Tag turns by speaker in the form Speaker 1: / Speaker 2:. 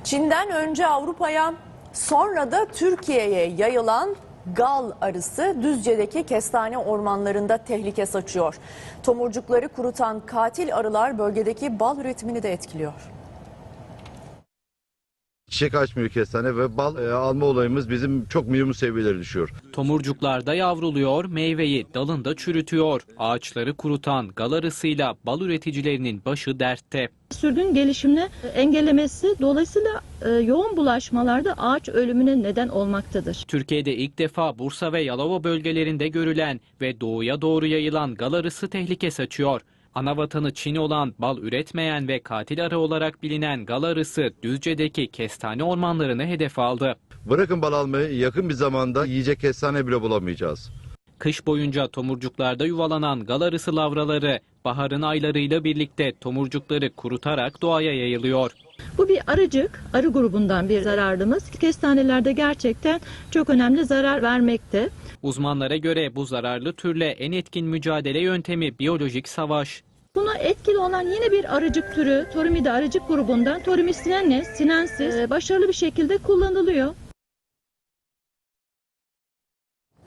Speaker 1: Çin'den önce Avrupa'ya, sonra da Türkiye'ye yayılan gal arısı Düzce'deki kestane ormanlarında tehlike saçıyor. Tomurcukları kurutan katil arılar bölgedeki bal üretimini de etkiliyor.
Speaker 2: Çiçek açmıyor kestane ve bal alma olayımız bizim çok minimum seviyelere düşüyor.
Speaker 3: Tomurcuklarda yavruluyor, meyveyi dalında çürütüyor. Ağaçları kurutan gal arısıyla bal üreticilerinin başı dertte.
Speaker 4: Sürgün gelişimini engellemesi dolayısıyla yoğun bulaşmalarda ağaç ölümüne neden olmaktadır.
Speaker 3: Türkiye'de ilk defa Bursa ve Yalova bölgelerinde görülen ve doğuya doğru yayılan gal arısı tehlike saçıyor. Anavatanı Çin olan, bal üretmeyen ve katil arı olarak bilinen gal arısı Düzce'deki kestane ormanlarını hedef aldı.
Speaker 2: Bırakın bal almayı, yakın bir zamanda yiyecek kestane bile bulamayacağız.
Speaker 3: Kış boyunca tomurcuklarda yuvalanan gal arısı lavraları baharın aylarıyla birlikte tomurcukları kurutarak doğaya yayılıyor.
Speaker 4: Bu bir arıcık, arı grubundan bir zararlımız. Kestanelerde gerçekten çok önemli zarar vermekte.
Speaker 3: Uzmanlara göre bu zararlı türle en etkin mücadele yöntemi biyolojik savaş.
Speaker 4: Buna etkili olan yine bir arıcık türü, Torumida arıcık grubundan Torumis sinensis başarılı bir şekilde kullanılıyor.